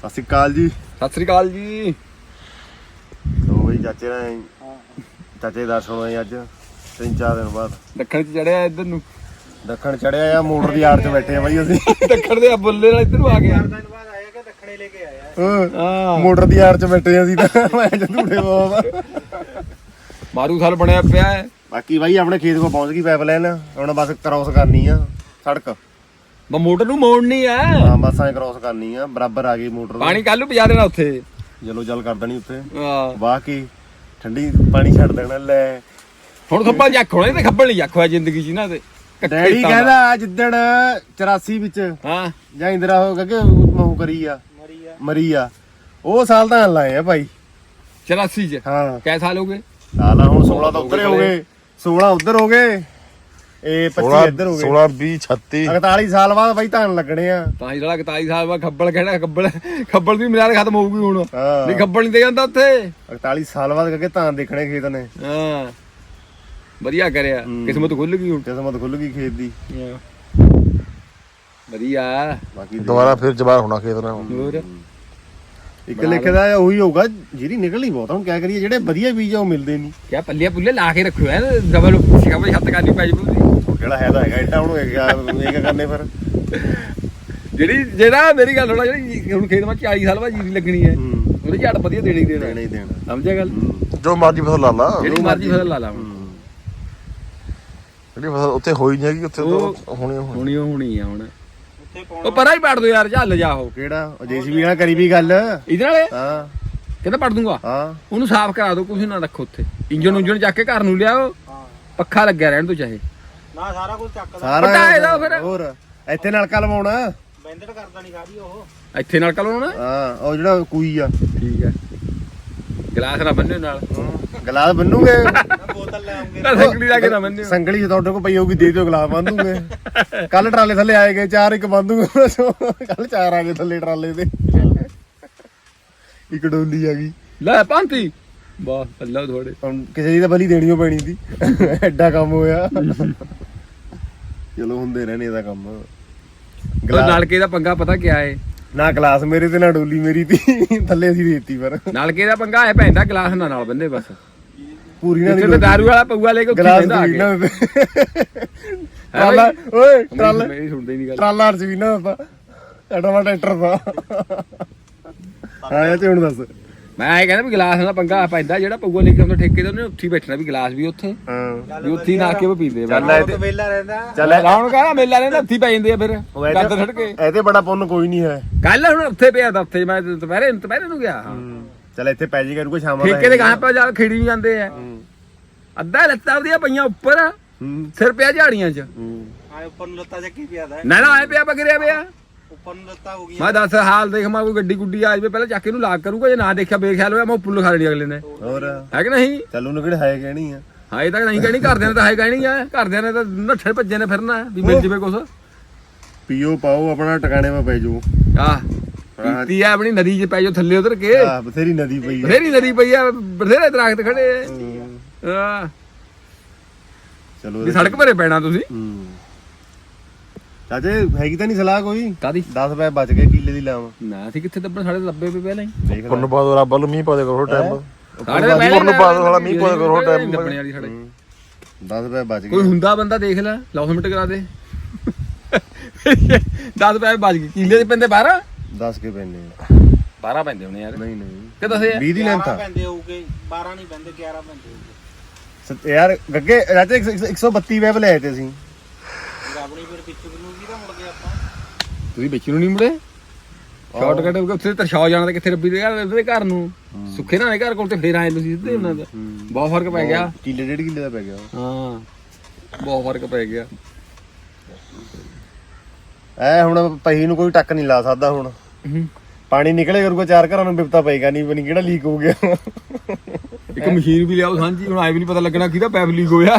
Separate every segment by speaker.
Speaker 1: ਸਤਿ ਸ਼੍ਰੀ ਅਕਾਲ ਜੀ।
Speaker 2: ਸਤਿ ਸ੍ਰੀ ਅਕਾਲ ਜੀ।
Speaker 1: ਲੋ ਬਈ ਚਾਚੇ ਨਾਲ ਚਾਚੇ ਦਰਸ਼ਨ ਹੋਏ ਅੱਜ 3-4 ਦਿਨ ਬਾਅਦ।
Speaker 2: ਦੱਖਣ ਚ ਚੜਿਆ ਇੱਧਰ ਨੂੰ।
Speaker 1: ਦੱਖਣ ਚੜਿਆ ਆ, ਮੋਟਰ ਦੀ ਆੜ 'ਚ ਬੈਠੇ ਆ ਬਾਈ ਅਸੀਂ।
Speaker 2: ਦੱਖਣ ਦੇ ਬੁੱਲੇ ਨਾਲ ਇੱਧਰ ਨੂੰ ਆ ਗਿਆ।
Speaker 3: ਦੱਖਣੇ ਲੈ ਕੇ ਆਇਆ
Speaker 1: ਮੋਟਰ ਦੀ ਆੜ 'ਚ ਬੈਠੇ ਅਸੀਂ ਤਾਂ ਮੈਂ ਝੂਠੇ ਬਾਬਾ
Speaker 2: ਮਾਰੂ ਸਾਲ ਬਣਿਆ ਪਿਆ ਹੈ।
Speaker 1: ਬਾਕੀ ਬਾਈ ਆਪਣੇ ਖੇਤ ਕੋਲ ਪਹੁੰਚ ਗਈ ਪਾਈਪਲਾਈਨ, ਹੁਣ ਬਸ ਕ੍ਰਾਸ ਕਰਨੀ ਆ ਸੜਕ।
Speaker 2: ਬਾ ਮੋਟਰ ਨੂੰ ਮੋੜਨੀ ਆ।
Speaker 1: ਹਾਂ ਬਸ ਐ ਕ੍ਰਾਸ ਕਰਨੀ ਆ, ਬਰਾਬਰ ਆ ਗਈ ਮੋਟਰ।
Speaker 2: ਪਾਣੀ ਕੱਲ ਨੂੰ ਪਜਾ ਦੇਣਾ ਉੱਥੇ।
Speaker 1: ਜਲੋ ਜਲ ਕਰ ਦੇਣੀ ਉੱਥੇ
Speaker 2: ਹਾਂ
Speaker 1: ਵਾਹ ਕੇ ਠੰਡੀ ਪਾਣੀ ਛੱਡ ਦੇਣਾ। ਲੈ
Speaker 2: ਹੁਣ ਖੱਬਲ ਜੱਖ ਹੋਣਾ ਤੇ ਖੱਬਲ ਨਹੀਂ ਜੱਖ ਹੋਇਆ ਜ਼ਿੰਦਗੀ 'ਚ ਇਹਨਾਂ ਦੇ।
Speaker 1: ਡੈਡੀ ਕਹਿੰਦਾ ਜਿੱਦਣ 84 ਵਿੱਚ
Speaker 2: ਹਾਂ
Speaker 1: ਜਾਂ ਇੰਦਰਾ ਹੋ ਕਿ ਮਹੂ ਕਰੀ ਆ ਮਰੀ ਆ, ਉਹ ਸਾਲ ਤਾਂ ਲਾਏ ਆ ਭਾਈ
Speaker 2: 84 ਚ।
Speaker 1: ਹਾਂ
Speaker 2: ਕੈ ਸਾਲ ਹੋ ਗਏ?
Speaker 1: ਸਾਲ ਹੁਣ 16 ਤਾਂ ਉੱਧਰ ਹੋ ਗਏ, 16 ਉੱਧਰ ਹੋ ਗਏ, ਇਹ 25 ਇੱਧਰ ਹੋ ਗਏ।
Speaker 4: 16 20 36
Speaker 1: 41 ਸਾਲ ਬਾਅਦ ਬਾਈ ਧਾਨ ਲੱਗਣੇ ਆ।
Speaker 2: ਤਾਂ ਹੀ ਜਿਹੜਾ 41 ਸਾਲ ਬਾਅਦ ਖੱਬਲ ਕਹਿਣਾ। ਖੱਬਲ ਦੀ ਮਿਆਦ ਖਤਮ ਹੋਊਗੀ ਹੁਣ।
Speaker 1: ਹਾਂ
Speaker 2: ਨਹੀਂ ਖੱਬਲ ਨਹੀਂ ਦੇ ਜਾਂਦਾ ਉੱਥੇ।
Speaker 1: 41 ਸਾਲ ਬਾਅਦ ਕਿ ਧਾਨ ਦੇਖਣੇ ਖੇਤ ਨੇ।
Speaker 2: ਹਾਂ ਵਧੀਆ ਕਰਿਆ, ਕਿਸਮਤ ਖੁੱਲ ਗਈ ਹੁਣ।
Speaker 1: ਕਿਸਮਤ ਖੁੱਲ ਗਈ ਖੇਤ ਦੀ।
Speaker 2: ਵਧੀਆ
Speaker 1: ਬਾਕੀ
Speaker 4: ਦੁਬਾਰਾ ਫਿਰ ਜਵਾਰ ਹੋਣਾ ਖੇਤ ਨਾਲ।
Speaker 2: ਹੋਰ
Speaker 1: ਇੱਕ ਲਿਖੇ ਦਾ ਉਹੀ ਹੋਊਗਾ ਜਿਹੜੀ ਨਿਕਲਣੀ ਬਹੁਤ। ਹੁਣ ਕਿਆ ਕਰੀਏ, ਜਿਹੜੇ ਵਧੀਆ ਬੀਜ ਆ ਉਹ ਮਿਲਦੇ ਨਹੀਂ।
Speaker 2: ਕਿਆ ਪੱਲੇ ਪੁੱਲੇ ਲਾ ਕੇ ਰੱਖਿਓ ਐ ਡਬਲ ਸਿਕਾ ਛੱਤ ਕਰਨੀ ਪੈ ਜੂ।
Speaker 1: ਜਿਹੜਾ ਹੈ ਤਾਂ ਹੈਗਾ ਏਡਾ, ਹੁਣ ਇਹ ਕਿਆ ਕਰਨੇ ਫਿਰ।
Speaker 2: ਜਿਹੜਾ ਮੇਰੀ ਗੱਲ ਹੋਣਾ, ਜਿਹੜੀ ਹੁਣ ਖੇਤ ਵਿੱਚ 40 ਸਾਲ ਬਾਅਦ ਜੀਰੀ ਲੱਗਣੀ ਹੈ, ਉਹਦੇ ਝਾੜ ਵਧੀਆ ਦੇਣੀ ਦੇਣਾ।
Speaker 1: ਦੇਣਾ ਹੀ ਦੇਣਾ।
Speaker 2: ਸਮਝਿਆ ਗੱਲ?
Speaker 4: ਜੋ ਮਰਜੀ ਫਸਲ ਲਾ ਲਾ,
Speaker 2: ਜਿਹੜੀ ਮਰਜ਼ੀ ਫਸਲ ਲਾ ਲਾ ਹੁਣ।
Speaker 4: ਜਿਹੜੀ ਫਸਲ ਉੱਥੇ ਹੋਈ ਨਹੀਂ ਹੈਗੀ ਉੱਥੇ ਤਾਂ ਹੋਣੀ
Speaker 2: ਹੋਣੀ ਆ ਹੁਣ। ਉਹ ਪਰਾਂ ਹੀ ਪੜ ਦੋ ਯਾਰ, ਝੱਲ ਜਾ ਉਹ
Speaker 1: ਕਿਹੜਾ ਉਹ ਜੇਸੀਬੀ ਨਾਲ ਕਰੀ ਵੀ ਗੱਲ।
Speaker 2: ਇਹਦੇ ਨਾਲ
Speaker 1: ਹਾਂ
Speaker 2: ਕਹਿੰਦਾ ਪੜ ਦੂੰਗਾ।
Speaker 1: ਹਾਂ
Speaker 2: ਉਹਨੂੰ ਸਾਫ਼ ਕਰਾ ਦੋ, ਕੁਝ ਨਾ ਰੱਖੋ ਉੱਥੇ। ਇੰਜਨ ਚੱਕ ਕੇ ਘਰ ਨੂੰ ਲਿਆਓ, ਪੱਖਾ ਲੱਗਿਆ ਰਹਿਣ ਤੋਂ ਚਾਹੇ
Speaker 3: ਨਾ ਸਾਰਾ ਕੁਝ ਚੱਕਦਾ
Speaker 1: ਸਾਰਾ
Speaker 2: ਇਹਦਾ ਫਿਰ।
Speaker 1: ਹੋਰ ਇੱਥੇ ਨਲਕਾ ਲਵਾਉਣਾ,
Speaker 3: ਬੈਂਦੜ ਕਰਦਾ ਨਹੀਂ ਸਾਰੀ ਉਹ।
Speaker 2: ਇੱਥੇ ਨਾਲ ਕਲਾਉਣਾ।
Speaker 1: ਹਾਂ ਉਹ ਜਿਹੜਾ ਕੂਈ ਆ।
Speaker 2: ਠੀਕ ਹੈ, ਗਲਾਸ ਨਾ ਬੰਨਿਓ ਨਾਲ।
Speaker 1: ਗਲਾਸ ਬੰਨੂਗੇ,
Speaker 3: ਬੋਤਲ ਲੈ ਆਉਂਗੇ।
Speaker 2: ਸੰਗਲੀ ਲਾ ਕੇ ਨਾ ਬੰਨਿਓ।
Speaker 1: ਸੰਗਲੀ ਜੇ ਤੁਹਾਡੇ ਕੋਲ ਪਈ ਹੋਊਗੀ ਦੇ ਦਿਓ, ਗਲਾਸ ਬੰਨ ਦੂੰਗੇ। ਕੱਲ ਟਰਾਲੇ ਥੱਲੇ ਆਏ ਗਏ 4, ਇੱਕ ਬੰਨ ਦੂੰਗੇ। ਕੱਲ 4 ਆ ਗਏ ਥੱਲੇ ਟਰਾਲੇ ਤੇ, ਇੱਕ ਡੋਲੀ ਆ ਗਈ।
Speaker 2: ਲੈ ਪੰਤੀ ਵਾਹ ਅੱਲਾ ਥੋੜੇ।
Speaker 1: ਹੁਣ ਕਿਸੇ ਦੀ ਤਾਂ ਬਲੀ ਦੇਣੀ ਓ ਪੈਣੀ ਸੀ, ਐਡਾ ਕੰਮ ਹੋਇਆ। ਚਲੋ ਹੁੰਦੇ ਰਹਿਣੇ ਇਹਦਾ ਕੰਮ।
Speaker 2: ਨਲਕੇ ਦਾ ਪੰਗਾ ਪਤਾ ਕਿਆ ਏ?
Speaker 1: ਨਾ ਗਲਾਸ ਮੇਰੇ ਤੇ ਨਾ ਡੋਲੀ ਮੇਰੀ ਤੀ, ਥੱਲੇ ਅਸੀਂ ਦੇਤੀ। ਪਰ
Speaker 2: ਨਲਕੇ ਦਾ ਪੰਗਾ ਐ ਪੈਂਦਾ, ਗਲਾਸ ਨਾਲ ਬੰਦੇ ਬਸ।
Speaker 1: ਪੂਰੀ ਨਾ
Speaker 2: ਜਿੱਥੇ ਦਾਰੂ ਵਾਲਾ ਪਊਆ ਲੈ ਕੇ ਉੱਥੇ
Speaker 1: ਗਲਾਸ
Speaker 2: ਬਹਿੰਦਾ ਆ ਕੇ।
Speaker 1: ਟਰਾਲਾ ਓਏ ਟਰਾਲਾ
Speaker 2: ਮੇਰੀ ਸੁਣਦੇ ਹੀ ਨਹੀਂ ਗੱਲ।
Speaker 1: ਟਰਾਲਾ ਸੀ ਨਾ ਆਪਾਂ ਐਡਾ ਵਾ ਟਰੈਕਟਰ ਦਾ। ਹਾਂ ਤੇ ਹੁਣ ਦੱਸ।
Speaker 2: ਮੈਂ ਇਹ ਕਹਿੰਦਾ ਵੀ ਗਲਾਸ ਨਾਲ ਪੰਗਾ ਪੈਂਦਾ, ਜਿਹੜਾ ਪਊਆ ਲੈ ਕੇ ਆਉਂਦਾ ਠੇਕੇ ਤੇ ਉਹਨੇ ਉੱਥੇ ਹੀ ਬੈਠਣਾ, ਵੀ ਗਲਾਸ ਵੀ ਉੱਥੇ,
Speaker 1: ਹਾਂ
Speaker 2: ਵੀ ਉੱਥੇ ਹੀ ਨਾ ਕੇ ਉਹ ਪੀਂਦੇ।
Speaker 3: ਉਹ ਵੇਲਾ ਰਹਿੰਦਾ।
Speaker 1: ਚੱਲ
Speaker 2: ਲਾਉਣ ਕਹਦਾ ਮੇਲਾ ਰਹਿੰਦਾ, ਉੱਥੇ ਹੀ ਪੈ ਜਾਂਦੇ ਆ ਫਿਰ ਗੱਦ ਛੱਡ ਕੇ।
Speaker 1: ਇਹਦੇ ਬੜਾ ਪੁੰਨ ਕੋਈ ਨਹੀਂ ਹੈ।
Speaker 2: ਕੱਲ ਹੁਣ ਉੱਥੇ ਪਿਆ ਤਾਂ ਉੱਥੇ ਮੈਂ ਦੁਪਹਿਰੇ ਨੂੰ ਗਿਆ।
Speaker 1: ਚੱਲ ਇੱਥੇ ਪੈ ਜੀ ਕਰੂਗਾ ਸ਼ਾਮਾਂ
Speaker 2: ਠੇਕੇ ਦੇ ਗਾਂ ਪਾ ਜਾ ਖੇੜੀ ਨਹੀਂ ਜਾਂਦੇ ਆ। ਅੱਧਾ ਲੱਤਾਂ ਉਹਦੀਆਂ ਪਈਆਂ ਉੱਪਰ, ਸਿਰ ਪਿਆ ਝਾੜੀਆਂ 'ਚ।
Speaker 3: ਆਏ ਉੱਪਰ ਨੂੰ ਲੱਤਾਂ ਚੱਕੀ ਪਿਆ ਦਾ।
Speaker 2: ਨਾ ਆਏ ਪਿਆ ਬਗਰਿਆ ਪਿਆ।
Speaker 3: ਉੱਪਰ ਨੂੰ ਲੱਤਾਂ ਹੋ ਗਈਆਂ।
Speaker 2: ਮੈਂ ਦੱਸ ਹਾਲ ਦੇਖ, ਮੈਂ ਕੋਈ ਗੱਡੀ ਗੁੱਡੀ ਆ ਜਾਵੇ ਪਹਿਲਾਂ ਚੱਕ ਕੇ ਇਹਨੂੰ ਲਾਗ ਕਰੂਗਾ, ਜੇ ਨਾ ਦੇਖਿਆ ਬੇਖਿਆਲ ਹੋਇਆ ਮੈਂ ਪੁੱਲ ਖਾ ਲੈਣੀ ਅਗਲੇ ਨੇ।
Speaker 1: ਹੋਰ
Speaker 2: ਹੈ ਕਿ ਨਹੀਂ?
Speaker 1: ਚੱਲ ਉਹਨੂੰ ਕਿਹੜੇ ਹੈ ਕਹਿਣੀ ਆ।
Speaker 2: ਹਾਂ ਇਹ ਤਾਂ ਨਹੀਂ ਕਹਿਣੀ, ਘਰਦਿਆਂ ਨੇ ਤਾਂ ਹੈ ਕਹਿਣੀ ਆ। ਘਰਦਿਆਂ ਨੇ ਤਾਂ ਨੱਠੇ ਭੱਜੇ ਨੇ ਫਿਰਨਾ ਵੀ ਮਿਲ ਜਵੇ ਕੁਛ।
Speaker 1: ਪੀਓ ਪਾਓ ਆਪਣਾ ਟਿਕਾਣੇ 'ਤੇ ਪੈ ਜਾਓ।
Speaker 2: ਆਹ ਪੀਤੀ ਆ ਆਪਣੀ ਨਦੀ 'ਚ ਪੈ ਜਾਓ ਥੱਲੇ ਉਧਰ ਕੇ।
Speaker 1: ਆਹ ਬਥੇਰੀ ਨਦੀ ਪਈ ਆ।
Speaker 2: ਬਥੇਰੀ ਨਦੀ ਪਈ ਆ, ਬਥੇਰੇ ਦਰਖਤ ਖੜੇ ਆ। ਆਹ
Speaker 1: ਚਲੋ
Speaker 2: ਵੀ ਸੜਕ ਭਰੇ ਪੈਣਾ ਤੁਸੀਂ।
Speaker 1: ਚਾਚੇ ਹੈਗੀ ਤਾਂ ਨਹੀਂ ਸਲਾਹ ਕੋਈ?
Speaker 2: ਕਾਦੀ
Speaker 1: 10 ਪੈ ਬਚ ਗਏ ਕਿੱਲੇ ਦੀ ਲਾਵਾਂ।
Speaker 2: ਨਾ ਅਸੀਂ ਕਿੱਥੇ ਦੱਬਣ, ਸਾਡੇ ਲੱਭੇ ਪਏ ਪਹਿਲਾਂ ਹੀ।
Speaker 1: ਦੇਖ ਲੈ
Speaker 4: ਪੁੰਨ ਪਾ ਦੋ, ਰੱਬ ਵੱਲ ਮੀਂਹ ਪਾ ਦੇ ਕਰੋ ਟਾਈਮ।
Speaker 2: ਸਾਡੇ ਤਾਂ ਪਹਿਲਾਂ
Speaker 4: ਨੂੰ ਪਾ ਦੋ ਸਾਲਾ ਮੀਂਹ ਪਾ ਦੇ ਕਰੋ ਟਾਈਮ।
Speaker 2: ਦੱਬਣੇ ਵਾਲੀ ਸਾਡੇ
Speaker 1: 10 ਪੈ ਬਚ
Speaker 2: ਕੋਈ
Speaker 1: ਗਏ।
Speaker 2: ਹੁੰਦਾ ਬੰਦਾ ਦੇਖ ਲੈ, ਲੌਸਮੈਂਟ ਕਰਾ ਦੇ। 10 ਪੈਸੇ ਬਚ ਗਏ। ਕਿੱਲੇ ਦੇ ਪੈਂਦੇ 12
Speaker 1: 10 ਕੇ ਪੈਣੇ
Speaker 2: 12 ਪੈਂਦੇ ਹੋਣੇ ਯਾਰ।
Speaker 1: ਨਹੀਂ ਨਹੀਂ
Speaker 2: ਕਿ ਦੱਸੇ
Speaker 1: 20 ਦੀ ਲੈਂਥ ਆ
Speaker 3: ਪੈਂਦੇ ਹੋਊਗੇ। 12 ਨਹੀਂ ਪੈਂਦੇ, 11 ਪੈਂਦੇ ਹੋਊਗੇ।
Speaker 1: ਯਾਰ ਗੱਗੇ ਚਾਚੇ 132 ਵੈਬ ਲਏ ਤੇ ਅਸੀਂ।
Speaker 3: ਆਪਣੀ ਫਿਰ ਪਿੱਛੇ ਨੂੰ ਵੀ ਤਾਂ ਮੁੜ ਗਏ ਆਪਾਂ।
Speaker 2: ਤੁਸੀਂ ਵਿੱਚ ਨੂੰ ਨਹੀਂ ਮੁੜੇ। ਸ਼ਾਰਟਕਟ ਹੋ ਗਿਆ ਉੱਥੇ ਤਰਸ਼ਾਉ ਜਾਣਾ, ਤੇ ਕਿੱਥੇ ਰੱਬੀ ਦੇ ਘਰ ਨੂੰ ਸੁੱਖੇ ਨਾਲ ਘਰ ਕੋਲ ਤੇ ਫੇਰ ਆਏ ਤੁਸੀਂ ਸਿੱਧੇ ਉਹਨਾਂ ਦਾ। ਬਹੁਤ ਫਰਕ ਪੈ ਗਿਆ।
Speaker 1: ਕਿੱਲੇ 1.5 ਕਿੱਲੇ ਦਾ ਪੈ ਗਿਆ।
Speaker 2: ਹਾਂ ਬਹੁਤ ਫਰਕ ਪੈ ਗਿਆ।
Speaker 1: ਐ ਹੁਣ ਪਹੀ ਨੂੰ ਕੋਈ ਟੱਕ ਨਹੀਂ ਲਾ ਸਕਦਾ। ਹੁਣ ਪਾਣੀ ਨਿਕਲੇ ਕਰੂਗਾ 4 ਘਰਾਂ ਨੂੰ ਬਿਪਤਾ ਪਏਗਾ ਨਹੀਂ, ਬਣੀ ਕਿਹੜਾ ਲੀਕ ਹੋ ਗਿਆ।
Speaker 2: ਇੱਕ ਮਸ਼ੀਨ ਵੀ ਲਿਆਓ ਸਾਂਝੀ, ਹੁਣ ਆਏ ਵੀ ਨਹੀਂ ਪਤਾ ਲੱਗਣਾ ਕਿਹਦਾ ਪੈਪ ਲੀਕ ਹੋਇਆ।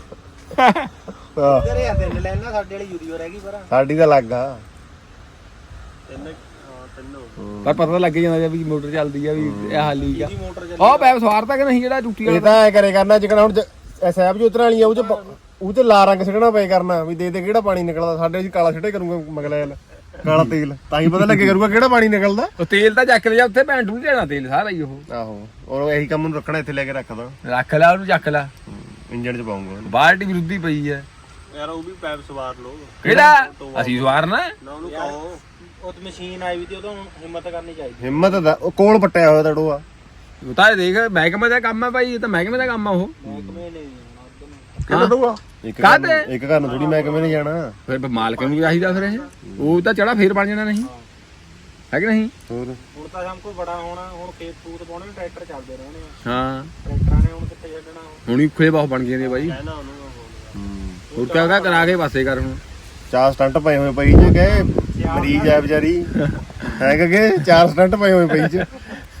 Speaker 3: ਤੇਰੇ ਆ 3 ਲੈਣਾ, ਸਾਡੇ ਵਾਲੀ ਯੂਰੀਓ ਰਹਿ ਗਈ ਪਰ।
Speaker 1: ਸਾਡੀ ਤਾਂ ਲੱਗ ਆ
Speaker 3: 3 ਹੋ ਗਏ।
Speaker 2: ਪਰ ਪਤਾ ਲੱਗ ਜਾਂਦਾ ਵੀ ਮੋਟਰ ਚੱਲਦੀ ਆ, ਵੀ ਇਹ ਹਾਲ ਲੀਕ ਆ।
Speaker 3: ਇਹਦੀ ਮੋਟਰ ਚੱਲੀ।
Speaker 2: ਉਹ ਪੈਪ ਸਵਾਰਤਾ ਕਿ ਨਹੀਂ ਜਿਹੜਾ ਟੁੱਟੀ
Speaker 1: ਇਹ
Speaker 2: ਵਾਲਾ?
Speaker 1: ਤਾਂ ਐ ਕਰੇ ਕਰਨਾ ਜਿਕਣਾ ਹੁਣ ਸਹਿਬ ਜੀ ਉਤਰ ਵਾਲੀ ਆ, ਉਹ ਚ ਲਾ ਰੰਗ ਸਿੱਟਣਾ ਪਏ ਕਰਨਾ ਵੀ ਦੇ ਕਿਹੜਾ ਪਾਣੀ ਨਿਕਲਦਾ। ਸਾਡੇ ਅਸੀਂ ਕਾਲਾ ਸਿੱਟੇ ਕਰੂੰਗਾ ਮਗਲਾ ਕਾਲਾ ਤੇਲ ਤਾਂ ਹੀ ਪਤਾ ਲੱਗੇ ਕਰੂਗਾ ਕਿਹੜਾ ਪਾਣੀ ਨਿਕਲਦਾ।
Speaker 2: ਉਹ ਤੇਲ ਤਾਂ ਚੱਕ ਲਿਆ ਉੱਥੇ ਭੈਣ ਨੂੰ ਲੈਣਾ ਤੇਲ ਸਾਰਾ ਹੀ ਉਹ।
Speaker 1: ਆਹੋ ਔਰ ਇਹੀ ਕੰਮ ਨੂੰ ਰੱਖਣਾ ਇੱਥੇ ਲੈ ਕੇ ਰੱਖਦਾ
Speaker 2: ਰੱਖ ਲੈ ਉਹਨੂੰ ਚੱਕ ਲੈ
Speaker 1: ਇੰਜਣ ਚ ਪਾਉਂਗਾ।
Speaker 2: ਬਾਲਟੀ ਵਿਰੁੱਧੀ ਪਈ ਹੈ
Speaker 3: ਯਾਰ ਉਹ ਵੀ ਪੈਪ ਸਵਾਰ ਲੋ
Speaker 2: ਕਿਹੜਾ ਅਸੀਂ ਸਵਾਰਨਾ
Speaker 3: ਨਾ ਉਹਨੂੰ ਕਹੋ ਉਹ ਤੇ ਮਸ਼ੀਨ ਆਈ ਵੀ ਤੇ ਉਹਦੋਂ ਹਿੰਮਤ ਕਰਨੀ ਚਾਹੀਦੀ।
Speaker 1: ਹਿੰਮਤ ਦਾ ਉਹ ਕੋਲ ਪੱਟਿਆ ਹੋਇਆ ਤੜੋਆ।
Speaker 2: ਉਹ ਤਾਂ ਇਹ ਦੇਖ ਮਹਿਕਮੇ ਦਾ ਕੰਮ ਹੈ ਭਾਈ ਇਹ ਤਾਂ ਮਹਿਕਮੇ ਦਾ ਕੰਮ ਆ ਉਹ
Speaker 3: ਮਹਿਕਮੇ ਨੇ
Speaker 1: ਕਿਹੜਾ ਦਊਗਾ
Speaker 2: ਕਾਹਤੇ?
Speaker 1: ਇੱਕ ਘਰ ਨੂੰ ਥੋੜੀ ਮੈਂ ਕਿਵੇਂ ਨਹੀਂ ਜਾਣਾ।
Speaker 2: ਫਿਰ ਮਾਲਕ ਨੂੰ ਵੀ ਚਾਹੀਦਾ ਫਿਰ ਇਹ ਉਹ ਤਾਂ ਚੜਾ ਫੇਰ ਬਣ ਜਾਣਾ ਨਹੀਂ ਹੈ ਕਿ ਨਹੀਂ।
Speaker 1: ਹੋਰ
Speaker 3: ਹੁਣ ਤਾਂ ਸਭ ਕੋ ਬੜਾ ਹੋਣਾ ਹੁਣ ਖੇਤ ਫੂਤ ਪਾਉਣੇ ਨੂੰ ਟਰੈਕਟਰ ਚੱਲਦੇ ਰਹਿਣੇ ਆ।
Speaker 2: ਹਾਂ
Speaker 3: ਟਰੈਕਟਰਾਂ ਨੇ ਹੁਣ ਕਿੱਥੇ ਛੱਡਣਾ ਉਹ
Speaker 2: ਹੁਣ ਉਖਲੇ ਬਹੁਤ ਬਣ ਗਏ ਨੇ ਬਾਈ।
Speaker 3: ਕਹਿਣਾ ਉਹਨੂੰ ਉਹ
Speaker 2: ਹੋਰ ਕਿਆ ਕਰਾ ਕੇ ਪਾਸੇ ਕਰ ਹੁਣ।
Speaker 1: 4 ਸਟੰਟ ਪਏ ਹੋਏ ਪਈ ਚ ਗਏ ਮਰੀਜ਼ ਆ ਵਿਚਾਰੀ ਹੈ ਕਿ 4 ਸਟੰਟ ਪਏ ਹੋਏ ਪਈ ਚ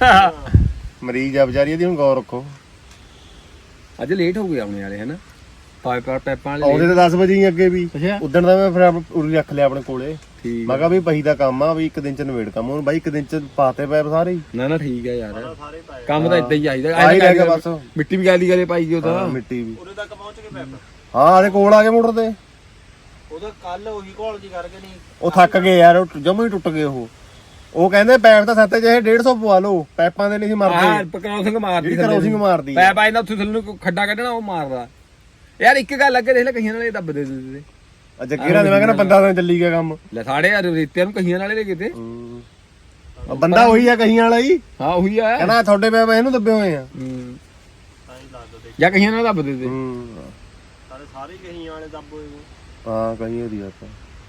Speaker 1: ਮਰੀਜ਼ ਆ ਵਿਚਾਰੀ ਇਹਦੀ ਹੁਣ ਗੌਰ ਰੱਖੋ।
Speaker 2: ਅੱਜ ਲੇਟ ਹੋ ਗਏ ਆਉਣੇ ਵਾਲੇ ਹਨਾ ਪੈਪਾਂ ਵਾਲੇ
Speaker 1: ਆਉਂਦੇ ਤਾਂ 10 ਵਜੇ ਹੀ ਅੱਗੇ ਵੀ
Speaker 2: ਅੱਛਾ
Speaker 1: ਉਦਣ ਦਾ ਮੈਂ ਫਿਰ ਉਰੀ ਰੱਖ ਲਿਆ ਆਪਣੇ ਕੋਲੇ।
Speaker 2: ਠੀਕ
Speaker 1: ਮੈਂ ਕਿਹਾ ਵੀ ਪਹੀ ਦਾ ਕੰਮ ਆ ਵੀ ਇੱਕ ਦਿਨ ਚ ਨਵੇੜ ਕੰਮ ਹੁਣ ਬਾਈ ਇੱਕ ਦਿਨ ਚ ਪਾਤੇ ਪੈਪ ਸਾਰੇ ਹੀ।
Speaker 2: ਨਾ ਠੀਕ ਹੈ ਯਾਰ
Speaker 3: ਸਾਰੇ ਪਾਏ
Speaker 2: ਕੰਮ ਤਾਂ ਇਦਾਂ ਹੀ ਚਾਹੀਦਾ
Speaker 1: ਆਹੀ ਰਹਿ ਗਿਆ ਬਸ।
Speaker 2: ਮਿੱਟੀ ਵੀ ਗਾਲੀ ਗਾਲੇ ਪਾਈ ਉਹ ਤਾਂ
Speaker 1: ਮਿੱਟੀ ਵੀ
Speaker 3: ਉਰੇ ਤੱਕ ਪਹੁੰਚ ਗਏ ਪੈਪ।
Speaker 1: ਹਾਂ ਆਦੇ ਕੋਲ ਆ ਗਏ ਮੋਟਰ ਤੇ।
Speaker 3: ਉਹਦਾ ਕੱਲ ਉਹੀ ਘੋਲ ਜੀ ਕਰਕੇ ਨਹੀਂ
Speaker 1: ਉਹ ਥੱਕ ਗਏ ਯਾਰ ਉਹ ਜਮਾ ਹੀ ਟੁੱਟ ਗਏ ਉਹ ਕਹਿੰਦੇ ਪੈਪ ਤਾਂ ਸੱਤੇ ਜਿਹੇ 150 ਪਵਾ ਲਓ ਪੈਪਾਂ ਦੇ ਨਹੀਂ ਸੀ ਮਰਦੇ।
Speaker 2: ਕ੍ਰੋਸਿੰਗ ਮਾਰਦੀ
Speaker 1: ਜਿਹੜੀ ਕ੍ਰੋਸਿੰਗ ਮਾਰਦੀ ਆ।
Speaker 2: ਪੈਪ ਆਇਆ ਨਾ ਉੱਥੇ ਥੱਲੇ ਨੂੰ ਖੱਡਾ ਕੱਢਣਾ ਉਹ ਮਾਰਦਾ ਯਾਰ। ਇੱਕ ਗੱਲ ਅੱਗੇ ਦੇਖ ਲੈ ਕਹੀਆਂ ਨਾਲੇ ਦੱਬ ਦੇ ਦਿੰਦੇ
Speaker 1: ਅੱਜ ਕਿਹੜਾ ਦੇ ਮੈਂ ਕਹਿੰਦਾ ਬੰਦਾ ਤਾਂ ਚੱਲੀ ਗਿਆ ਕੰਮ।
Speaker 2: ਲੈ ਸਾਡੇ ਯਾਰ ਰੇਤਿਆਂ ਨੂੰ ਕਹੀਆਂ ਨਾਲੇ ਲੈ ਕਿਤੇ
Speaker 1: ਬੰਦਾ ਉਹੀ ਆ ਕਹੀਆਂ ਵਾਲਾ ਹੀ
Speaker 2: ਹਾਂ ਉਹੀ ਆ
Speaker 1: ਕਹਿੰਦਾ ਤੁਹਾਡੇ ਪੈਪ ਇਹਨੂੰ ਦੱਬੇ ਹੋਏ ਆ।
Speaker 3: ਤਾਂ ਹੀ ਦੱਸ ਦੇ
Speaker 2: ਜਾਂ ਕਹੀਆਂ ਨਾਲ ਦੱਬ ਦੇ ਦੇ
Speaker 3: ਸਾਰੇ ਕਹੀਆਂ ਵਾਲੇ ਦੱਬ ਹੋਏ ਨੇ।
Speaker 1: ਹਾਂ ਕਹੀ ਉਹਦੀ ਆ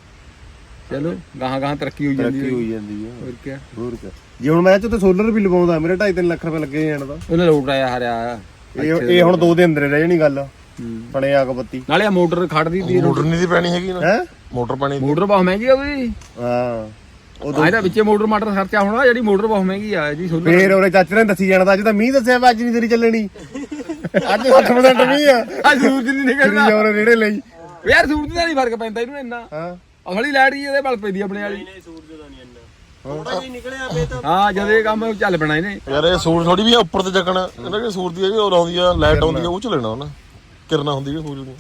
Speaker 2: ਚਲੋ ਗਾਹਾਂ ਗਾਹਾਂ ਤਰੱਕੀ ਹੋਈ ਜਾਂਦੀ
Speaker 1: ਤਰੱਕੀ ਹੋਈ ਜਾਂਦੀ ਆ।
Speaker 2: ਹੋਰ ਕੀ
Speaker 1: ਹੋਰ ਕੀ ਜੇ ਹੁਣ ਮੈਂ ਚ ਤੇ ਸੋਲਰ ਵੀ ਲਵਾਉਂਦਾ ਮੇਰੇ 2.5-3 ਲੱਖ ਰੁਪਏ ਲੱਗੇ ਜਾਣ ਦਾ।
Speaker 2: ਉਹਨੇ ਲੋਟ ਆਇਆ ਹਰਿਆ
Speaker 1: ਇਹ ਹੁਣ 2 ਦੇ ਅੰਦਰ ਰਹਿ ਜਾਣੀ ਗੱਲ ਪਣੇ ਅੱਗ ਬੱਤੀ।
Speaker 2: ਨਾਲੇ ਆ ਮੋਟਰ ਖੜਦੀ ਦੀ
Speaker 4: ਮੋਟਰ ਨਹੀਂ ਦੀ ਪੈਣੀ ਹੈਗੀ ਨਾ
Speaker 1: ਹੈ
Speaker 4: ਮੋਟਰ ਪਾਣੀ
Speaker 2: ਮੋਟਰ ਬਹੁਤ ਮਹਿੰਗੀ ਆ ਉਹਦੀ
Speaker 1: ਹਾਂ
Speaker 2: ਉਹ ਇਹਦਾ ਵਿੱਚੇ ਮੋਟਰ ਮਾਟਰ ਖਰਚਾ ਹੋਣਾ ਜਿਹੜੀ ਮੋਟਰ ਬਹੁਤ ਮਹਿੰਗੀ ਆ ਜੀ ਸੋਲਰ
Speaker 1: ਫੇਰ ਉਹਨੇ ਚਾਚੇ ਨੇ ਦੱਸੀ ਜਾਣਾ ਤਾਂ ਅੱਜ ਤਾਂ ਮੀਂਹ ਦੱਸਿਆ ਵਾ ਅੱਜ ਨਹੀਂ ਤੇਰੀ ਚੱਲਣੀ ਅੱਜ 60% ਮੀਂਹ ਆ
Speaker 2: ਆ ਸੂਰਜ ਨਹੀਂ ਨਿਕਲਦਾ
Speaker 1: ਜੋਰ ਰੇੜੇ ਲਈ
Speaker 2: ਯਾਰ ਸੂਰਜ ਦਾ ਨਹੀਂ ਫਰਕ ਪੈਂਦਾ ਇਹਨੂੰ ਇੰਨਾ
Speaker 1: ਹਾਂ
Speaker 2: ਅਸਲੀ ਲਾਈਟ ਹੀ ਇਹਦੇ ਬਲ ਪੈਂਦੀ ਆਪਣੇ ਵਾਲੀ
Speaker 3: ਨਹੀਂ ਸੂਰਜ ਦਾ ਨਹੀਂ ਇੰਨਾ ਥੋੜਾ ਜਿਹਾ ਨਿਕਲਿਆ ਬੇ ਤਾਂ
Speaker 2: ਹਾਂ ਜਦ ਇਹ ਕੰਮ ਚੱਲ ਪੈਣਾ ਇਹਨੇ
Speaker 4: ਯਾਰ ਇਹ ਸੂਰ ਥੋੜੀ ਵੀ ਆ ਉੱਪਰ ਤੇ ਚੱਕਣਾ ਇਹਨਾਂ ਕਿ ਸੂਰ ਦੀ ਹੈ ਉਹ ਆਉਂਦੀ ਆ ਲਾਈਟ ਆਉਂਦੀ ਆ ਉਹ ਚ ਲੈਣਾ ਉਹਨਾਂ ਕਿਰਨਾ ਹੁੰਦੀ ਹੈ ਸੂਰਜ ਦੀ।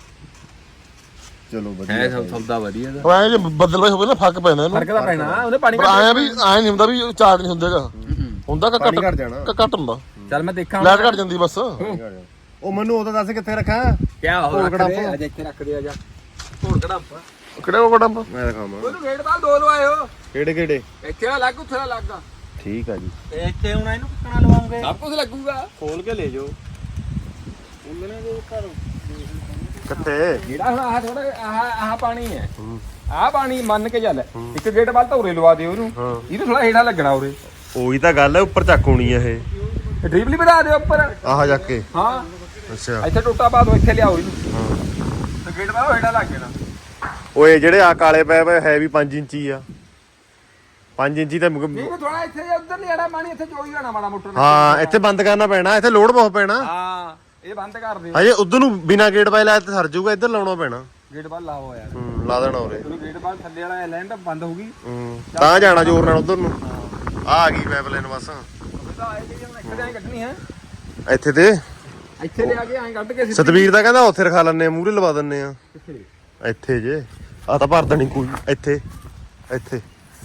Speaker 1: ਚਲੋ ਵਧੀਆ
Speaker 2: ਹੈ ਸੌਦਾ ਵਧੀਆ ਦਾ
Speaker 4: ਉਹ ਐ ਜੇ ਬੱਦਲ ਵਾਈ ਹੋਵੇ ਨਾ ਫੱਕ ਪੈਂਦਾ ਇਹਨੂੰ।
Speaker 2: ਫਰਕ ਤਾਂ ਪੈਣਾ ਉਹਨੇ ਪਾਣੀ
Speaker 4: ਪਰ ਆਇਆ ਵੀ ਐ ਨਹੀਂ ਹੁੰਦਾ ਵੀ ਚਾਰਜ ਨਹੀਂ ਹੁੰਦਾਗਾ ਹੁੰਦਾ ਕਿ
Speaker 1: ਪਾਣੀ ਘੱਟ ਜਾਣਾ।
Speaker 4: ਘੱਟ ਹੁੰਦਾ
Speaker 2: ਚੱਲ ਮੈਂ ਦੇਖਾਂ
Speaker 4: ਲਾਈਟ ਘੱਟ ਜਾਂਦੀ ਬਸ।
Speaker 1: ਉਹ ਮੈਨੂੰ ਉਹਦਾ ਦੱਸ ਕਿੱਥੇ ਰੱਖਾਂ
Speaker 2: ਕਿਆ ਹੋ
Speaker 1: ਹੋਰ
Speaker 2: ਰੱਖ ਦੇ
Speaker 1: ਕੜਾਪਾ।
Speaker 2: ਅੱਜ ਇੱਥੇ ਰੱਖ ਦੇ ਆ ਜਾ ਢੋਲ ਕੜਾਪਾ
Speaker 4: ਕਿਹੜੇ ਉਹ ਬੜਾ
Speaker 1: ਮੈਂ ਦਿਖਾਵਾਂ
Speaker 2: ਉਹਨੂੰ ਗੇਟ ਬਾਲ ਦੋ ਲਵਾਇਓ
Speaker 1: ਕਿਹੜੇ ਕਿਹੜੇ
Speaker 2: ਇੱਥੇ ਨਾ ਲੱਗ ਉੱਥੇ ਨਾ ਲੱਗ
Speaker 1: ਠੀਕ ਆ ਜੀ
Speaker 3: ਤੇ ਇੱਥੇ ਹੁਣ ਇਹਨੂੰ ਕਿੱਕਣਾ ਲਵਾਉਂਗੇ
Speaker 2: ਸਭ ਕੁਝ ਲੱਗੂਗਾ
Speaker 3: ਖੋਲ ਕੇ ਲੈ ਜਾਓ ਉਹਨਾਂ ਦੇ ਘਰ
Speaker 1: ਕਿੱਥੇ
Speaker 2: ਜਿਹੜਾ ਹੁਣ ਆਹ ਥੋੜਾ ਆਹ ਪਾਣੀ ਹੈ ਆਹ ਪਾਣੀ ਮੰਨ ਕੇ ਚੱਲ ਇੱਕ ਗੇਟ ਵੱਲ ਤਾਂ ਉਰੇ ਲਵਾ ਦੇ ਉਹਨੂੰ ਇਹਨੂੰ ਥੋੜਾ ਹੇਠਾਂ ਲੱਗਣਾ ਉਰੇ
Speaker 1: ਉਹੀ ਤਾਂ ਗੱਲ ਹੈ ਉੱਪਰ ਚੱਕ ਹੋਣੀ ਆ ਇਹ
Speaker 2: ਡ੍ਰਿਪ ਵੀ ਵਧਾ ਦਿਓ ਉੱਪਰ
Speaker 1: ਆਹ ਜਾ ਕੇ
Speaker 2: ਹਾਂ
Speaker 1: ਅੱਛਾ
Speaker 2: ਇੱਥੇ ਟੋਟਾ ਪਾ ਦੋ ਇੱਥੇ ਲਿਆਓ ਇਹਨੂੰ ਤੇ ਗੇਟ ਵੱਲ ਹੇਠਾਂ ਲੱਗ ਜਾਣਾ
Speaker 1: ਓਏ ਜਿਹੜੇ ਆ ਕਾਲੇ ਪੈ ਪਏ ਹੈ ਵੀ 5 ਇੰਚੀ ਆ 5 ਇੰਚੀ ਤਾਂ
Speaker 2: ਨਹੀਂ ਥੋੜਾ ਇੱਥੇ ਉੱਧਰ ਲਿਆੜਾ ਪਾਣੀ ਇੱਥੇ ਚੋਈ ਜਾਣਾ ਮਾੜਾ ਮੋਟਰ
Speaker 1: ਹਾਂ ਇੱਥੇ ਬੰਦ ਕਰਨਾ ਪੈਣਾ ਇੱਥੇ ਲੋਡ ਬਹੁਤ ਪੈਣਾ
Speaker 2: ਹਾਂ ਇਹ ਬੰਦ ਕਰ ਦਿਓ
Speaker 1: ਹਜੇ ਉਧਰ ਨੂੰ ਬਿਨਾ ਗੇਟ ਪਾਏ ਲਾਇਆ ਤੇ ਸਰ ਜਾਊਗਾ ਇੱਧਰ ਲਾਉਣਾ ਪੈਣਾ
Speaker 2: ਗੇਟ ਵੱਲ ਲਾਓ ਯਾਰ
Speaker 1: ਲਾ ਦੇਣਾ ਉਰੇ
Speaker 2: ਉਹਨੂੰ ਗੇਟ ਵੱਲ ਥੱਲੇ ਵਾਲਾ ਲੈਂਡ ਬੰਦ ਹੋ ਗਈ
Speaker 1: ਤਾਂ ਜਾਣਾ ਜ਼ੋਰ ਨਾਲ ਉਧਰ ਨੂੰ ਆ ਗਈ ਪਾਈਪਲਾਈਨ ਬਸ
Speaker 2: ਤਾਂ ਆਏ ਕਿ ਹੁਣ ਇੱਥੇ ਐਂ ਕੱਢਣੀ ਹੈ
Speaker 1: ਇੱਥੇ ਤੇ
Speaker 2: ਇੱਥੇ ਲਿਆ ਕੇ ਐਂ ਕੱਢ ਕੇ
Speaker 1: ਸਤਵੀਰ ਦਾ ਕਹਿੰਦਾ ਉੱਥੇ ਰਖਾ ਲੈਣੇ ਆ ਮੂਹਰੇ ਲਵਾ ਦਿੰਨੇ ਆ
Speaker 2: ਕਿੱਥੇ
Speaker 1: ਇੱਥੇ ਜੇ ਆ ਤਾਂ ਭਰ ਦੇਣੀ ਕੋਈ ਇੱਥੇ ਇੱਥੇ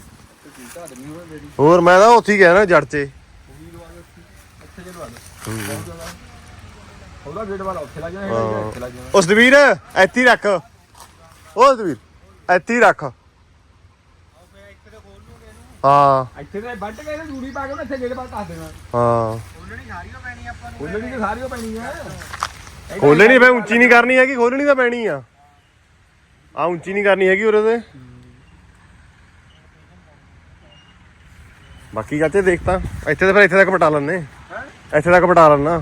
Speaker 1: ਹੋਰ ਮੈਂ ਤਾਂ ਉੱਥੇ ਹੀ ਗਿਆ ਨਾ ਜੜ 'ਚ
Speaker 2: ਉਹਦਾ ਗੇਟ ਵਾਲਾ ਉੱਥੇ ਲੱਗ ਜਾਣਾ ਇੱਥੇ ਲੱਗ ਜਾਣਾ
Speaker 1: ਉਹ ਸਤਵੀਰ ਇੱਥੇ ਹੀ ਰੱਖ ਉਹ ਸਤਵੀਰ ਇੱਥੇ ਹੀ ਰੱਖ ਹਾਂ
Speaker 2: ਇੱਥੇ ਤੇ ਵੱਢ ਕੇ ਜੂੜੀ ਪਾ ਕੇ ਉਹਨੇ ਇੱਥੇ ਗੇਟ ਬਾਹਰ ਕੱਸ ਦੇਣਾ
Speaker 1: ਹਾਂ
Speaker 3: ਖੋਲਣੀ ਸਾਰੀਓ ਪੈਣੀ ਆਪਾਂ ਨੂੰ
Speaker 2: ਖੋਲਣੀ ਤੇ ਸਾਰੀ ਉਹ ਪੈਣੀ ਹੈ
Speaker 1: ਖੋਲਣੀ ਫੇ ਉੱਚੀ ਨਹੀਂ ਕਰਨੀ ਹੈਗੀ ਖੋਲਣੀ ਤਾਂ ਪੈਣੀ ਆ ਉੱਚੀ ਨਹੀਂ ਕਰਨੀ ਹੈਗੀ ਉਰੇ ਤੇ ਬਾਕੀ ਚਾਚੇ ਦੇਖ ਤਾਂ ਇੱਥੇ ਤਾਂ ਫਿਰ ਇੱਥੇ ਤੱਕ ਪਟਾ ਲੈਣੇ ਇੱਥੇ ਤੱਕ ਪਟਾ ਲੈਣਾ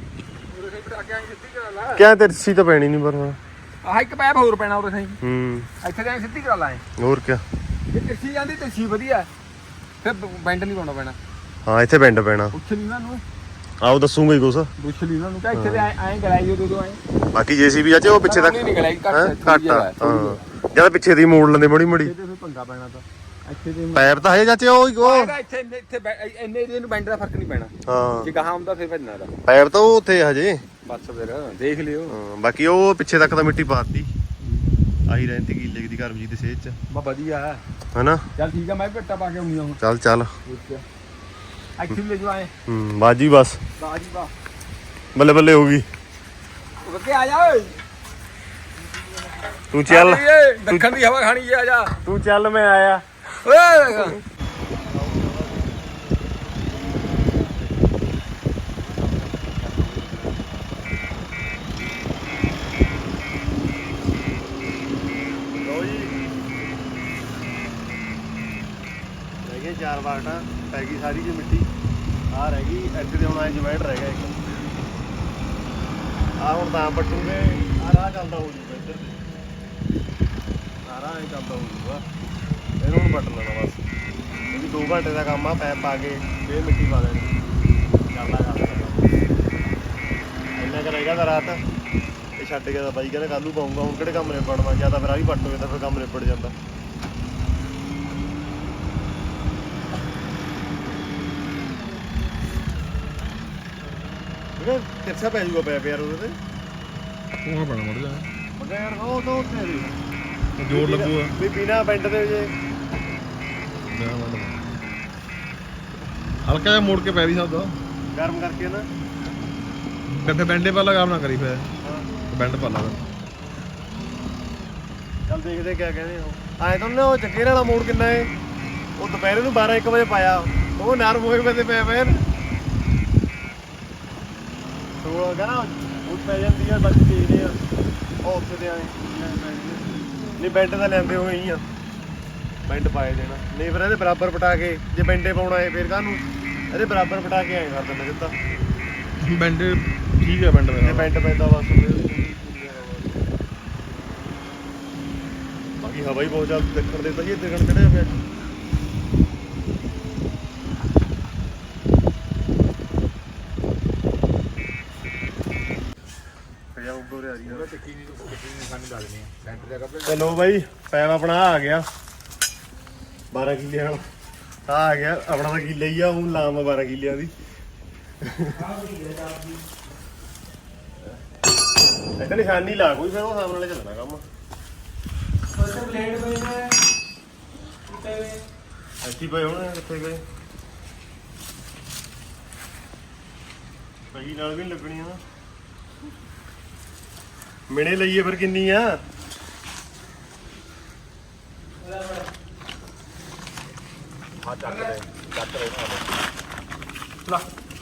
Speaker 1: ਕਿਆ ਤੇ ਸੀ ਤਾਂ ਪੈਣੀ ਨਹੀਂ ਪਰ
Speaker 2: ਆਹ ਇੱਕ ਪੈਪ ਹੋਰ ਪੈਣਾ ਉਰੇ ਸਹੀ ਇੱਥੇ ਤਾਂ ਸਿੱਧੀ ਕਰਾ ਲਾਏ
Speaker 1: ਹੋਰ ਕਿਆ
Speaker 2: ਜੇ ਤਿਰਛੀ ਜਾਂਦੀ ਤਿਰਛੀ ਵਧੀਆ ਫਿਰ ਬੈਂਡ ਨਹੀਂ ਪਾਉਣਾ ਪੈਣਾ
Speaker 1: ਹਾਂ ਇੱਥੇ ਬੈਂਡ ਪੈਣਾ
Speaker 2: ਪੁੱਛ ਲਈ ਉਹਨਾਂ ਨੂੰ
Speaker 1: ਆਓ ਦੱਸੂਗਾ ਹੀ ਕੁਛ
Speaker 2: ਪੁੱਛ ਲਈ ਉਹਨਾਂ ਨੂੰ ਕਿ ਇੱਥੇ ਤੇ ਐਂ ਗਲਾਈ ਦੋ ਐਂ
Speaker 1: ਬਾਕੀ ਜੇਸੀਬੀ ਚਾਚੇ ਉਹ ਪਿੱਛੇ ਤੱਕ
Speaker 2: ਨਹੀਂ ਗਲਾਈ
Speaker 1: ਘੱਟ ਆ ਹਾਂ ਜਦ ਪਿੱਛੇ ਦੀ ਮੋੜ ਲੈਂਦੇ ਮੋੜੀ ਮੋੜੀ
Speaker 2: ਇਹਦੇ ਫਿਰ ਪੰਗਾ ਪੈਣਾ ਤਾਂ ਇੱਥੇ ਦੇ
Speaker 1: ਪੈਪ ਤਾਂ ਹਜੇ ਚਾਚੇ ਉਹ
Speaker 2: ਇੱਥੇ ਇੰਨੇ ਏਰੀਏ ਨੂੰ ਬੈਂਡ ਦਾ ਫਰਕ ਨਹੀਂ ਪੈਣਾ
Speaker 1: ਹਾਂ
Speaker 2: ਜੇ ਗਾਹਾਂ ਹੁੰਦਾ ਫਿਰ ਭੱਜਣਾ ਦਾ
Speaker 1: ਪੈਪ ਤਾਂ ਉਹ ਉੱਥੇ ਹਜੇ
Speaker 2: ਬਸ ਫਿਰ ਦੇਖ ਲਿਓ
Speaker 1: ਬਾਕੀ ਉਹ ਪਿੱਛੇ ਤੱਕ ਤਾਂ ਮਿੱਟੀ ਪਾਤੀ ਆਹੀ ਰਹਿੰਦੀ ਕਿੱਲੇ ਦੀ ਕਰਮਜੀਤ ਦੀ ਸਿਹਤ ਚ
Speaker 2: ਬਾ ਵਧੀਆ ਹੈ
Speaker 1: ਹਨਾ।
Speaker 2: ਚੱਲ ਠੀਕ ਆ ਮੈਂ ਵੀ ਭੇਟਾ ਪਾ ਕੇ ਆਉਣੀ ਆ ਹੁਣ
Speaker 1: ਚੱਲ ਚੱਲ
Speaker 2: ਐਕਚੁਅਲੀ ਲੈ ਜੋ ਆਏ
Speaker 1: ਬਾਜੀ ਬਸ
Speaker 2: ਬਾਜੀ ਬਾ
Speaker 1: ਬੱਲੇ ਬੱਲੇ ਹੋ ਗਈ।
Speaker 2: ਉਹ ਕੇ ਆ ਜਾ ਓਏ
Speaker 1: ਤੂੰ ਚੱਲ
Speaker 2: ਦੱਖਣ ਦੀ ਹਵਾ ਖਾਣੀ ਆ ਜਾ
Speaker 1: ਤੂੰ ਚੱਲ ਮੈਂ ਆਇਆ।
Speaker 2: ਓਏ
Speaker 1: ਰਹਿ ਗਏ 4 ਬਾਟਾਂ ਪੈ ਗਈ ਸਾਰੀ ਜੀ ਮਿੱਟੀ ਆ ਰਹਿ ਗਈ ਇੱਥੇ ਤੇ ਹੁਣ ਐ ਜੁਆਇੰਟ ਰਹਿ ਗਿਆ ਇੱਕ ਆ ਹੁਣ ਤਾਂ ਪੱਟੂਗੇ ਆ ਰਾਹ ਚੱਲਦਾ ਹੋ ਜੂਗਾ ਇੱਧਰ ਤੇ ਆ ਰਾਹ ਐ ਚੱਲਦਾ ਹੋ ਜੂਗਾ ਇਹਨੂੰ ਹੁਣ ਪੱਟ ਲੈਣਾ ਬਸ ਇਹ ਵੀ 2 ਘੰਟੇ ਦਾ ਕੰਮ ਆ ਪੈਪ ਪਾ ਕੇ ਫੇਰ ਮਿੱਟੀ ਪਾ ਦੇਣੀ ਚੱਲਦਾ ਇੰਨਾ ਕੁ ਰਹੇਗਾ ਤਾਂ ਰਾਤ ਇਹ ਛੱਡ ਕੇ ਤਾਂ ਬਾਈ ਕਹਿੰਦਾ ਕੱਲ੍ਹ ਨੂੰ ਪਾਊਂਗਾ ਹੁਣ ਕਿਹੜੇ ਕੰਮ ਨਿਬੜਨਾ ਜਾਂ ਤਾਂ ਫਿਰ ਆ ਵੀ ਪੱਟ ਹੋਵੇ ਤਾਂ ਫਿਰ ਕੰਮ ਨਿਬੜ ਜਾਂਦਾ। ਕਿਰਸਾ ਪੈ ਜੂਗਾ ਪੈਪ ਯਾਰ ਉਹਦੇ ਤੇ
Speaker 4: ਉਹ ਬਣਾ ਮੜ ਜਾ
Speaker 1: ਮਗਾ ਯਾਰ ਉਹ ਤਾਂ ਉੱਥੇ ਵੀ
Speaker 4: ਜੋਰ ਲੱਗੂਗਾ
Speaker 1: ਵੀ ਬਿਨਾ ਬੈਂਡ ਦੇ ਜੇ
Speaker 4: ਹਲਕਾ ਜਿਹਾ ਮੋੜ ਕੇ ਪੈ ਵੀ ਸਕਦਾ
Speaker 1: ਗਰਮ ਕਰਕੇ ਨਾ
Speaker 4: ਕਿੱਥੇ ਬੈਂਡੇ ਪਾ ਲਗਾ ਨਾ ਕਰੀ ਪੈ ਬੈਂਡ ਪਾ ਲਾ
Speaker 1: ਚੱਲ ਦੇਖਦੇ ਕਿਆ ਕਹਿੰਦੇ ਉਹ ਆਏ ਤਾਂ ਉਹ ਚੱਕੇਰ ਵਾਲਾ ਮੋੜ ਕਿੰਨਾ ਏ ਉਹ ਦੁਪਹਿਰੇ ਨੂੰ 12-1 ਵਜੇ ਪਾਇਆ ਉਹ ਨਰਮ ਹੋਏ ਪਏ ਪਏ ਪਏ ਸੋਲ ਕਹਿੰਦਾ ਉਹ ਪੈ ਜਾਂਦੀ ਆ ਬਾਕੀ ਦੇਖਦੇ ਆ ਉਹ ਉੱਥੇ ਤੇ ਆਏ ਨਹੀਂ ਬੈਂਡ ਤਾਂ ਲੈਂਦੇ ਹੋਏ ਹੀ ਆ ਬੈਂਡ ਪਾਏ ਦੇਣਾ ਨਹੀਂ ਫਿਰ ਇਹਦੇ ਬਰਾਬਰ ਪਟਾ ਕੇ ਜੇ ਬੈਂਡੇ ਪਾਉਣਾ ਏ ਫਿਰ ਕਾਹਨੂੰ ਇਹਦੇ ਬਰਾਬਰ ਪਟਾ ਕੇ ਆਏ ਕਰ ਦਿੰਦੇ ਜਿੱਦਾਂ
Speaker 4: ਬੈਂਡ ਠੀਕ ਹੈ ਬੈਂਡ
Speaker 1: ਇਹ ਬੈਂਡ ਪੈਂਦਾ ਬਸ ਬਾਕੀ ਹਵਾ ਹੀ ਬਹੁਤ ਜ਼ਿਆਦਾ ਦੇਖਣ ਦੇ ਤਾਂ ਜੀ ਦੇਖਣ ਚੜਿਆ ਪਿਆ ਚਲੋ ਬਾਈ ਪੈਪ ਆਪਣਾ ਆ ਗਿਆ 12 ਕਿੱਲੇ ਵਾਲਾ ਆ ਗਿਆ ਆਪਣਾ ਤਾਂ ਕਿੱਲੇ ਹੀ ਆ ਉਹ ਲਾਮ 12 ਕਿੱਲਿਆਂ ਦੀ ਇੱਥੇ ਨਿਸ਼ਾਨੀ ਲਾ ਕੋਈ ਫਿਰ ਉਹ ਸਾਹਮਣੇ ਵਾਲੇ ਚੱਲਣਾ ਕੰਮ ਅੱਛੀ ਪਏ ਹੁਣ ਕਿੱਥੇ ਗਏ ਪਈ ਨਾਲ ਵੀ ਨੀ ਲੱਗਣੀਆਂ ਨਾ ਮਿਣੇ ਲਈਏ ਫਿਰ ਕਿੰਨੀ ਆ ਚੱਕ ਲੈ ਲਾ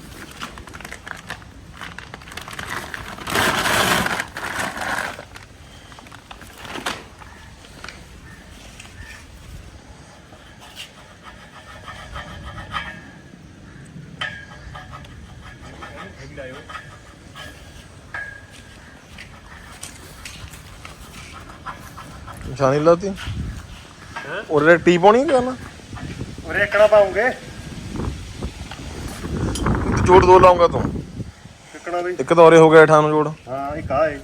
Speaker 4: ਨਿਸ਼ਾਨੀ ਲਾਤੀ ਉਹਦੇ ਟੀ ਪਾਉਣੀ ਕਰਨਾ
Speaker 1: ਉਰੇ ਇੱਕੜਾ ਪਾਉਂਗੇ
Speaker 4: ਜੋੜ 2 ਲਾਉਂਗਾ ਤੂੰ
Speaker 1: ਇੱਕੜਾ ਵੀ
Speaker 4: ਇੱਕ ਤਾਂ ਉਰੇ ਹੋ ਗਿਆ 98 ਜੋੜ
Speaker 1: ਹਾਂ ਇੱਕ ਆ ਏ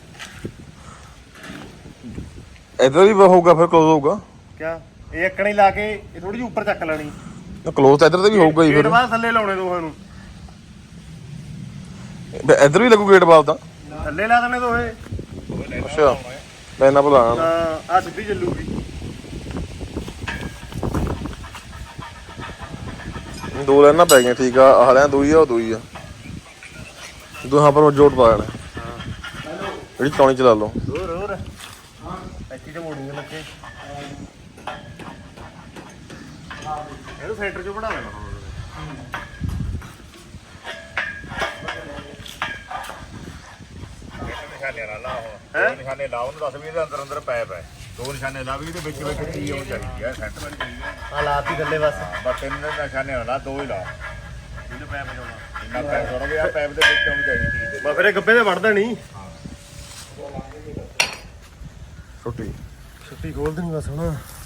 Speaker 4: ਇੱਧਰ ਵੀ ਹੋਊਗਾ ਫਿਰ ਕਲੋਜ਼ ਹੋਊਗਾ
Speaker 1: ਕਿਆ ਇਹ ਇੱਕੜਾ ਹੀ ਲਾ ਕੇ ਇਹ ਥੋੜੀ ਜਿਹੀ ਉੱਪਰ ਚੱਕ ਲੈਣੀ
Speaker 4: ਕਲੋਜ਼ ਤਾਂ ਇੱਧਰ ਤੇ ਵੀ ਹੋਊਗਾ ਹੀ
Speaker 1: ਗੇਟ
Speaker 4: ਫਿਰ
Speaker 1: ਬਾਅਦ ਥੱਲੇ ਲਾਉਣੇ ਦੋਹਾਂ ਨੂੰ
Speaker 4: ਇੱਧਰ ਵੀ ਲੱਗੂ ਗੇਟ ਬਾਲ ਤਾਂ
Speaker 1: ਥੱਲੇ ਲਾ ਦੇਣੇ ਦੋਹੇ
Speaker 4: ਅੱਛਾ ਲੈਣਾ ਬੁਲਾਣਾ
Speaker 1: ਹਾਂ ਆ ਸਿੱਧੀ ਚੱਲੂਗੀ
Speaker 4: ਦੋ ਲੈਣਾ ਪੈ ਗਈਆਂ ਠੀਕ ਆ ਆਹ ਲੈਣਾ ਦੂਈ ਆ ਉਹ ਦੂਈ ਆ ਦੋਹਾਂ ਪਰ ਜੋੜ ਪਾ ਲੈਣਾ ਜਿਹੜੀ ਚੌਣੀ ਚਲਾ ਲਓ
Speaker 1: ਹੋਰ ਇੱਥੇ ਤੇ ਮੋੜੂਗੇ ਲੱਗੇ ਇਹਨੂੰ ਸੈਂਟਰ ਚੋਂ ਬਣਾ ਲੈਣਾ
Speaker 5: ਨਿਸ਼ਾਨੇ ਨਾਲ ਲਾ ਉਹ ਦੋ ਨਿਸ਼ਾਨੇ ਲਾ ਉਹਨੂੰ ਦੱਸ ਵੀ ਇਹਦੇ ਅੰਦਰ ਅੰਦਰ ਪੈਪ ਹੈ 2 ਨਿਸ਼ਾਨੇ ਲਾ ਵੀ ਇਹਦੇ ਵਿੱਚ ਵਿੱਚ ਕੀ ਹੋਣੀ ਚਾਹੀਦੀ ਹੈ ਸੈਂਟਰ ਵਾਲੀ ਚਾਹੀਦੀ ਹੈ
Speaker 1: ਆ ਲਾਤੀ ਥੱਲੇ ਬਸ
Speaker 5: ਬਸ 3 ਨਿਸ਼ਾਨੇ ਨਾਲ ਲਾ 2 ਹੀ ਲਾ
Speaker 1: ਇਹਨੂੰ ਪੈਪ ਜਾਉਣਾ
Speaker 5: ਇੰਨਾ ਪੈਪ ਥੋੜਾ ਵੀ ਆ ਪੈਪ ਦੇ ਵਿੱਚ ਹੋਣੀ ਚਾਹੀਦੀ ਚੀਜ਼ ਦੇ
Speaker 1: ਬਾ ਫਿਰ ਇਹ ਗੱਬੇ ਤੇ ਵੜਦਾ ਨਹੀਂ
Speaker 4: ਛੁੱਟੀ
Speaker 1: ਛੁੱਟੀ ਖੋਲ ਦੇਣੀ ਬਸ ਹੁਣ